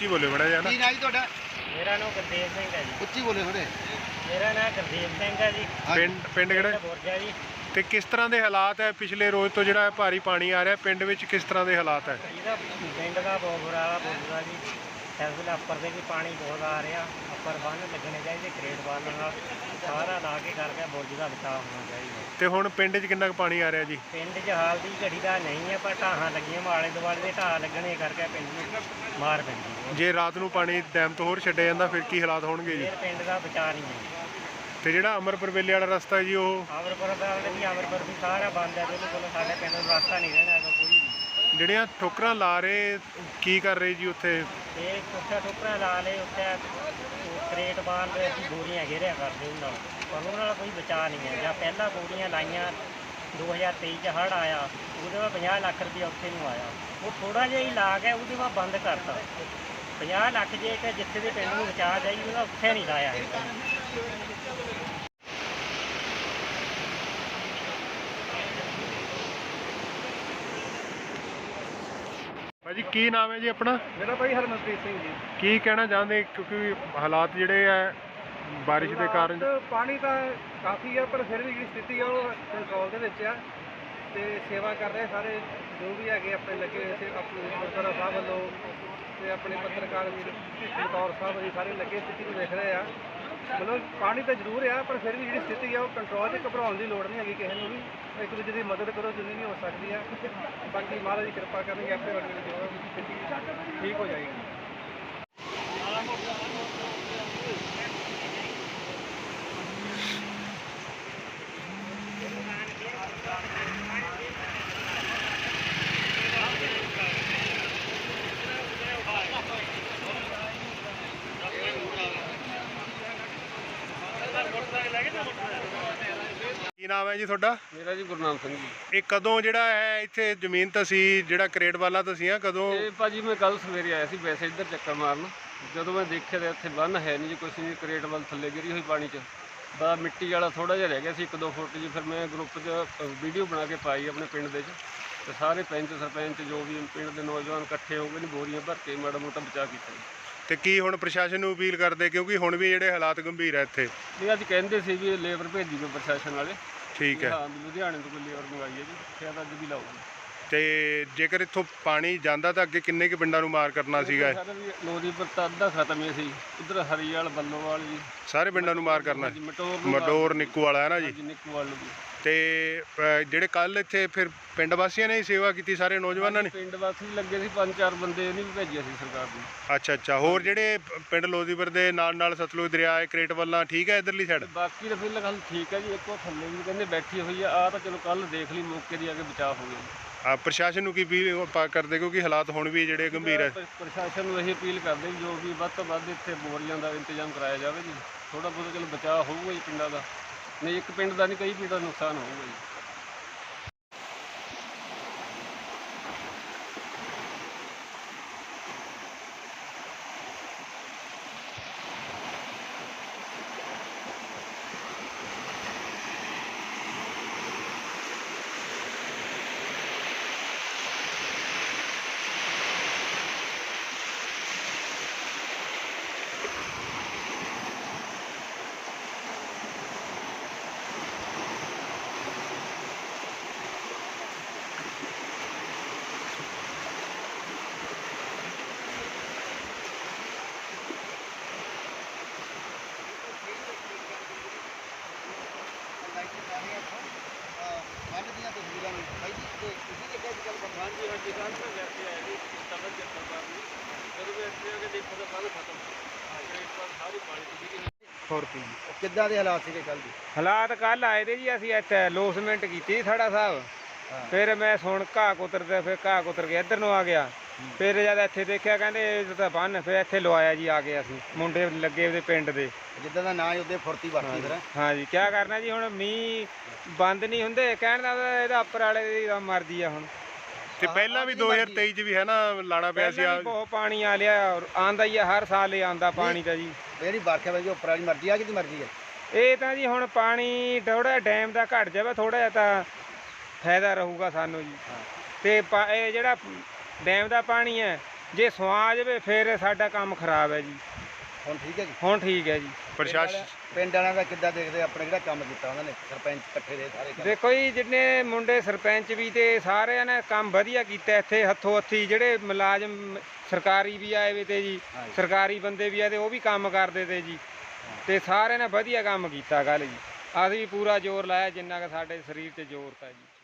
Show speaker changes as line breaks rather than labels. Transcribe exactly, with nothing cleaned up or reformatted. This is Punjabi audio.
ਉੱਚੀ ਬੋਲੇ ਬੜਾ ਜਿਹਾ ਨਾ।
ਕੀ ਨਾਂ ਜੀ ਤੁਹਾਡਾ?
ਮੇਰਾ ਨਾਮ ਗੁਰਦੇਵ ਸਿੰਘ ਹੈ ਜੀ।
ਉੱਚੀ ਬੋਲੇ ਥੋੜੇ।
ਮੇਰਾ ਨਾਮ ਗੁਰਦੇਵ ਸਿੰਘ ਹੈ ਜੀ।
ਪਿੰਡ ਪਿੰਡ ਕਿਹੜਾ
ਬੁਰਜਾ ਜੀ।
ਤੇ ਕਿਸ ਤਰ੍ਹਾਂ ਦੇ ਹਾਲਾਤ ਹੈ ਪਿਛਲੇ ਰੋਜ਼ ਤੋਂ ਜਿਹੜਾ ਭਾਰੀ ਪਾਣੀ ਆ ਰਿਹਾ ਪਿੰਡ ਵਿੱਚ ਕਿਸ ਤਰ੍ਹਾਂ ਦੇ ਹਾਲਾਤ ਹੈ?
ਇਹਦਾ ਪਿੰਡ ਦਾ ਬਹੁਤ ਬੁਰਾ ਹਾਲ ਬੋਲਦਾ ਜੀ। ਇਸ ਵੇਲੇ ਉੱਪਰ ਦੇ ਵੀ ਪਾਣੀ ਬਹੁਤ ਆ ਰਿਹਾ। ਉੱਪਰ ਬੰਨ੍ਹ ਲੱਗਣੇ ਚਾਹੀਦੇ ਕਰੇਟ ਬੰਨ੍ਹ ਨਾਲ ਸਾਰਾ ਲਾ ਕੇ ਕਰਕੇ ਬੁਰਜ ਦਾ ਬਚਾਅ ਹੋਣਾ ਚਾਹੀਦਾ।
ਤੇ ਹੁਣ ਪਿੰਡ 'ਚ ਕਿੰਨਾ ਕੁ ਪਾਣੀ ਆ ਰਿਹਾ ਜੀ?
ਪਿੰਡ 'ਚ ਹਾਲ ਦੀ ਘੜੀ ਦਾ ਨਹੀਂ ਹੈ, ਪਰ ਢਾਹਾਂ ਲੱਗੀਆਂ ਆਲੇ ਦੁਆਲੇ ਦੇ ਢਾਹ ਲੱਗਣੇ ਕਰਕੇ ਪਿੰਡ ਨੂੰ ਮਾਰ ਪੈਂਦੀ ਹੈ।
ਜੇ ਰਾਤ ਨੂੰ ਪਾਣੀ ਡੈਮ ਤੋਂ ਹੋਰ ਛੱਡਿਆ ਜਾਂਦਾ ਫਿਰ ਕੀ ਹਾਲਾਤ ਹੋਣਗੇ ਜੀ?
ਫਿਰ ਪਿੰਡ ਦਾ ਬਚਾਅ ਨਹੀਂ ਹੈ।
ਤੇ ਜਿਹੜਾ ਅਮਰਪੁਰ ਵੇਲੇ ਵਾਲਾ ਰਸਤਾ ਹੈ ਜੀ ਉਹ
ਅਮਰਪੁਰ ਦਾ ਵੀ ਅਮਰਪੁਰ ਵੀ ਸਾਰਾ ਬੰਦ ਹੈ। ਬਿਲਕੁਲ ਸਾਡੇ ਪਿੰਡ ਨੂੰ ਰਸਤਾ ਨਹੀਂ ਰਹਿਣਾ ਹੈਗਾ ਕੋਈ ਵੀ।
ਜਿਹੜੀਆਂ ਠੋਕਰਾਂ ਲਾ ਰਹੇ ਕੀ ਕਰ ਰਹੇ ਜੀ ਉੱਥੇ?
ਇਹ ਕੁੱਠਾ ਠੋਕਰਾਂ ਲਾ ਲਏ ਉੱਥੇ ਕਰੇਟ ਬਾਲ ਦੇ ਅਸੀਂ ਬੋਰੀਆਂ ਘੇਰਿਆ ਕਰਦੇ ਉਹਨਾਂ ਨਾਲ, ਪਰ ਉਹਨਾਂ ਨਾਲ ਕੋਈ ਬਚਾਅ ਨਹੀਂ ਹੈ। ਜਾਂ ਪਹਿਲਾਂ ਬੋਰੀਆਂ ਲਾਈਆਂ ਦੋ ਹਜ਼ਾਰ ਤੇਈ 'ਚ ਹੜ੍ਹ ਆਇਆ, ਉਹਦੇ ਬਾਅਦ ਪੰਜਾਹ ਲੱਖ ਰੁਪਇਆ ਉੱਥੇ ਨੂੰ ਆਇਆ। ਉਹ ਥੋੜ੍ਹਾ ਜਿਹਾ ਹੀ ਲਾ ਗਿਆ, ਉਹਦੇ ਬਾਅਦ ਬੰਦ ਕਰਤਾ। ਪੰਜਾਹ ਲੱਖ ਜੇ ਕਿ ਜਿੱਥੇ ਦੇ ਪਿੰਡ ਨੂੰ ਬਚਾਅ ਚਾਹੀਦਾ ਉਹਦਾ ਉੱਥੇ ਨਹੀਂ ਲਾਇਆ ਹੈਗਾ।
ਭਾਜੀ ਕੀ ਨਾਮ ਹੈ ਜੀ ਆਪਣਾ?
ਮੇਰਾ ਭਾਈ ਹਰਮਨਪ੍ਰੀਤ ਸਿੰਘ ਜੀ।
ਕੀ ਕਹਿਣਾ ਚਾਹੁੰਦੇ ਕਿਉਂਕਿ ਹਾਲਾਤ ਜਿਹੜੇ ਆ ਬਾਰਿਸ਼ ਦੇ ਕਾਰਨ?
ਪਾਣੀ ਤਾਂ ਕਾਫੀ ਆ, ਪਰ ਫਿਰ ਵੀ ਜਿਹੜੀ ਸਥਿਤੀ ਆ ਉਹ ਕੰਟਰੋਲ ਦੇ ਵਿੱਚ ਆ। ਤੇ ਸੇਵਾ ਕਰ ਰਹੇ ਸਾਰੇ ਜੋ ਵੀ ਹੈਗੇ ਆਪਣੇ ਲੱਗੇ ਹੋਏ ਸੀ, ਆਪਣੇ ਗੁਰਦੁਆਰਾ ਸਾਹਿਬ ਵੱਲੋਂ ਤੇ ਆਪਣੇ ਪੱਤਰਕਾਰ ਵੀਰ ਬਤੌਰ ਸਾਹਿਬ ਜੀ ਸਾਰੇ ਲੱਗੇ ਸਥਿਤੀ ਨੂੰ ਦੇਖ ਰਹੇ ਆ। ਮਤਲਬ ਪਾਣੀ ਤਾਂ ਜ਼ਰੂਰ ਆ, ਪਰ ਫਿਰ ਵੀ ਜਿਹੜੀ ਸਥਿਤੀ ਆ ਉਹ ਕੰਟਰੋਲ 'ਚ, ਘਬਰਾਉਣ ਦੀ ਲੋੜ ਨਹੀਂ ਹੈਗੀ ਕਿਸੇ ਨੂੰ ਵੀ। ਇੱਕ ਦੂਜੇ ਦੀ ਮਦਦ ਕਰੋ ਜਿੰਨੀ ਵੀ ਹੋ ਸਕਦੀ ਆ। ਬਾਕੀ ਮਹਾਰਾਜ ਦੀ ਕਿਰਪਾ ਕਰਨਗੇ, ਆਪੇ ਵਰਗੇ ਜੋ ਸਥਿਤੀ ਠੀਕ ਹੋ ਜਾਏਗੀ।
ਕੀ ਨਾਮ ਹੈ ਜੀ ਤੁਹਾਡਾ?
ਮੇਰਾ ਜੀ ਗੁਰਨਾਮ ਸਿੰਘ ਜੀ।
ਇਹ ਕਦੋਂ ਜਿਹੜਾ ਹੈ ਇੱਥੇ ਜ਼ਮੀਨ ਤਸੀਂ ਜਿਹੜਾ ਕਰੇਟ ਵਾਲਾ ਤੁਸੀਂ ਆ ਕਦੋਂ?
ਇਹ ਭਾਜੀ ਮੈਂ ਕੱਲ ਸਵੇਰੇ ਆਇਆ ਸੀ ਵੈਸੇ ਇੱਧਰ ਚੱਕਰ ਮਾਰਨ। ਜਦੋਂ ਮੈਂ ਦੇਖਿਆ ਤਾਂ ਇੱਥੇ ਬੰਨ ਹੈ ਨਹੀਂ ਜੀ, ਕੁਛ ਨਹੀਂ, ਕਰੇਟ ਵੱਲ ਥੱਲੇ ਗਿਰੀ ਹੋਈ ਪਾਣੀ 'ਚ। ਬਸ ਮਿੱਟੀ ਵਾਲਾ ਥੋੜ੍ਹਾ ਜਿਹਾ ਰਹਿ ਗਿਆ ਸੀ ਇੱਕ ਦੋ ਫੁੱਟ ਜੀ। ਫਿਰ ਮੈਂ ਗਰੁੱਪ 'ਚ ਵੀਡੀਓ ਬਣਾ ਕੇ ਪਾਈ ਆਪਣੇ ਪਿੰਡ ਦੇ 'ਚ, ਤੇ ਸਾਰੇ ਪੰਚ ਸਰਪੰਚ ਜੋ ਵੀ ਪਿੰਡ ਦੇ ਨੌਜਵਾਨ ਇਕੱਠੇ ਹੋ ਗਏ ਨੇ, ਬੋਰੀਆਂ ਭਰ ਕੇ ਮਾੜਾ ਮੋਟਾ ਬਚਾਅ ਕੀਤਾ ਜੀ।
ਤੇ ਕੀ ਹੁਣ ਪ੍ਰਸ਼ਾਸਨ ਨੂੰ ਅਪੀਲ ਕਰਦੇ ਕਿਉਂਕਿ ਹੁਣ ਵੀ ਜਿਹੜੇ ਹਾਲਾਤ ਗੰਭੀਰ ਹੈ ਇੱਥੇ?
ਨਹੀਂ, ਅੱਜ ਕਹਿੰਦੇ ਸੀ ਵੀ ਲੇਬਰ ਭੇਜੀ ਕੋਈ ਪ੍ਰਸ਼ਾਸਨ ਵਾਲੇ।
ਠੀਕ ਹੈ।
ਹਾਂ, ਲੁਧਿਆਣੇ ਤੋਂ ਕੋਈ ਲੇਬਰ ਮੰਗਾਈ ਹੈ ਜੀ, ਸ਼ਾਇਦ ਅੱਜ ਵੀ ਲਾਊਗੀ।
ਤੇ ਜੇਕਰ ਇੱਥੋਂ ਪਾਣੀ ਜਾਂਦਾ ਤਾਂ ਅੱਗੇ ਕਿੰਨੇ ਕੁ ਪਿੰਡਾਂ ਨੂੰ ਮਾਰ ਕਰਨਾ ਸੀਗਾ?
ਲੋਰੀਪੁਰ ਤਾਂ ਅੱਧਾ ਖਤਮ ਹੀ ਸੀ, ਉਧਰ ਹਰੀਵਾਲ ਬੱਲੋਵਾਲ ਜੀ
ਸਾਰੇ ਪਿੰਡਾਂ ਨੂੰ ਮਾਰ ਕਰਨਾ?
ਮਟੋਰ
ਮਡੋਰ ਨਿੱਕੂ ਵਾਲਾ ਹੈ ਨਾ ਜੀ?
ਨਿੱਕੂਵਾਲ ਨੂੰ।
ਤੇ ਅ, ਜਿਹੜੇ ਕੱਲ ਇੱਥੇ ਫਿਰ ਪਿੰਡ ਵਾਸੀਆਂ ਨੇ ਹੀ ਸੇਵਾ ਕੀਤੀ, ਸਾਰੇ ਨੌਜਵਾਨਾਂ ਨੇ?
ਪਿੰਡ ਵਾਸੀ ਲੱਗੇ ਸੀ ਪੰਜ ਚਾਰ ਬੰਦੇ, ਇਹਨੇ ਵੀ ਭੇਜਿਆ ਸੀ ਸਰਕਾਰ ਨੇ।
ਅੱਛਾ ਅੱਛਾ। ਹੋਰ ਜਿਹੜੇ ਪਿੰਡ ਲੋਦੀਪੁਰ ਦੇ ਨਾਲ ਨਾਲ ਸਤਲੁਜ ਦਰਿਆ ਹੈ ਕਰੇਟ ਵੱਲਾਂ ਠੀਕ ਹੈ ਇਧਰਲੀ ਸਾਈਡ?
ਬਾਕੀ ਤਾਂ ਫਿਰ ਗੱਲ ਠੀਕ ਹੈ ਜੀ। ਇੱਕੋ ਥੱਲੇ ਵੀ ਕਹਿੰਦੇ ਬੈਠੀ ਹੋਈ ਆ, ਆ ਤਾਂ ਚਲੋ ਕੱਲ ਦੇਖ ਲਈ ਮੌਕੇ ਦੀ ਆ ਕੇ ਬਚਾਅ ਹੋ ਗਿਆ।
ਆ ਪ੍ਰਸ਼ਾਸਨ ਨੂੰ ਕੀ ਅਪੀਲ ਕਰਦੇ ਕਿਉਂਕਿ ਹਾਲਾਤ ਹੁਣ ਵੀ ਜਿਹੜੇ ਗੰਭੀਰ ਹੈ?
ਪ੍ਰਸ਼ਾਸਨ ਨੂੰ ਇਹ ਅਪੀਲ ਕਰਦੇ ਵੀ ਜੋ ਵੀ ਵੱਧ ਤੋਂ ਵੱਧ ਇੱਥੇ ਬੋਰੀਆਂ ਦਾ ਇੰਤਜ਼ਾਮ ਕਰਾਇਆ ਜਾਵੇ ਜੀ। ਥੋੜ੍ਹਾ ਬਹੁਤ ਚਲੋ ਬਚਾਅ ਹੋਊਗਾ ਜੀ ਪਿੰਡਾਂ ਦਾ, ਨਹੀਂ ਇੱਕ ਪਿੰਡ ਦਾ ਨਹੀਂ ਕਈ ਪਿੰਡਾਂ ਦਾ ਨੁਕਸਾਨ ਹੋਊਗਾ ਜੀ। ਕਿੱਦਾਂ ਦੇ ਹਾਲਾਤ ਸੀਗੇ ਕੱਲ ਦੇ?
ਹਾਲਾਤ ਕੱਲ ਆਏ ਤੇ ਜੀ, ਅਸੀਂ ਇੱਥੇ ਲੋਸਮੈਂਟ ਕੀਤੀ ਥੜਾ ਸਾਹਿਬ। ਫਿਰ ਮੈਂ ਸੁਣ ਘਾਹ ਕੁਤਰਦੇ, ਫਿਰ ਘਾਹ ਕੁਤਰ ਕੇ ਇੱਧਰ ਨੂੰ ਆ ਗਿਆ। ਫਿਰ ਜਦ ਇੱਥੇ ਦੇਖਿਆ ਕਹਿੰਦੇ ਇਹ ਤਾਂ ਬੰਨ, ਫਿਰ ਇੱਥੇ ਲਵਾਇਆ ਜੀ ਆ ਕੇ। ਅਸੀਂ ਮੁੰਡੇ ਲੱਗੇ ਉਹਦੇ ਪਿੰਡ ਦੇ,
ਜਿੱਦਾਂ ਦਾ ਨਾਂ ਉਹਦੇ ਫੁਰਤੀ ਵਰਤੀ ਫਿਰ।
ਹਾਂ ਜੀ, ਕਿਆ ਕਰਨਾ ਜੀ, ਹੁਣ ਮੀਂਹ ਬੰਦ ਨਹੀਂ ਹੁੰਦੇ। ਕਹਿਣ ਦਾ ਇਹਦਾ ਉੱਪਰ ਵਾਲੇ ਦੀ ਮਰਜ਼ੀ ਆ ਹੁਣ।
ਤੇ ਪਹਿਲਾਂ ਵੀ ਦੋ ਹਜ਼ਾਰ ਤੇਈ 'ਚ ਵੀ ਹੈ ਨਾ ਲਾਣਾ ਪਿਆ ਸੀ।
ਬਹੁਤ ਪਾਣੀ ਆ ਲਿਆ, ਆਂਦਾ ਹੀ ਆ, ਹਰ ਸਾਲ ਹੀ ਆਂਦਾ ਪਾਣੀ ਤਾਂ ਜੀ।
ਜਿਹੜੀ ਵਰਖਾ ਵਈ ਉੱਪਰ ਵਾਲੀ ਮਰਜ਼ੀ ਆ, ਕਿਹਦੀ ਮਰਜ਼ੀ ਹੈ?
ਇਹ ਤਾਂ ਜੀ ਹੁਣ ਪਾਣੀ ਥੋੜ੍ਹਾ ਡੈਮ ਦਾ ਘਟ ਜਾਵੇ, ਥੋੜ੍ਹਾ ਜਿਹਾ ਤਾਂ ਫਾਇਦਾ ਰਹੂਗਾ ਸਾਨੂੰ ਜੀ। ਤੇ ਇਹ ਜਿਹੜਾ ਡੈਮ ਦਾ ਪਾਣੀ ਹੈ
ਜੇ ਸਵਾ ਜਾਵੇ ਫਿਰ ਸਾਡਾ ਕੰਮ ਖਰਾਬ ਹੈ ਜੀ।
ਹੁਣ ਠੀਕ ਹੈ ਜੀ।
ਹੁਣ ਠੀਕ ਹੈ ਜੀ।
ਪ੍ਰਸ਼ਾਸਨ
ਪਿੰਡ ਵਾਲਿਆਂ ਦਾ ਕਿੱਦਾਂ ਦੇਖਦੇ ਆਪਣੇ ਜਿਹੜਾ ਕੰਮ ਕੀਤਾ ਉਹਨਾਂ ਨੇ ਸਰਪੰਚ ਇਕੱਠੇ ਦੇ ਸਾਰੇ ਕੰਮ?
ਦੇਖੋ ਜੀ, ਜਿੰਨੇ ਮੁੰਡੇ ਸਰਪੰਚ ਵੀ ਤੇ ਸਾਰਿਆਂ ਨੇ ਕੰਮ ਵਧੀਆ ਕੀਤਾ ਇੱਥੇ ਹੱਥੋਂ ਹੱਥੀ। ਜਿਹੜੇ ਮੁਲਾਜ਼ਮ ਸਰਕਾਰੀ ਵੀ ਆਏ ਵੇ ਤੇ ਜੀ, ਸਰਕਾਰੀ ਬੰਦੇ ਵੀ ਆਏ ਤੇ ਉਹ ਵੀ ਕੰਮ ਕਰਦੇ ਤੇ ਜੀ, ਤੇ ਸਾਰਿਆਂ ਨੇ ਵਧੀਆ ਕੰਮ ਕੀਤਾ ਗੱਲ ਜੀ। ਅਸੀਂ ਵੀ ਪੂਰਾ ਜ਼ੋਰ ਲਾਇਆ ਜਿੰਨਾ ਕਿ ਸਾਡੇ ਸਰੀਰ 'ਤੇ ਜ਼ੋਰ ਤਾ ਜੀ।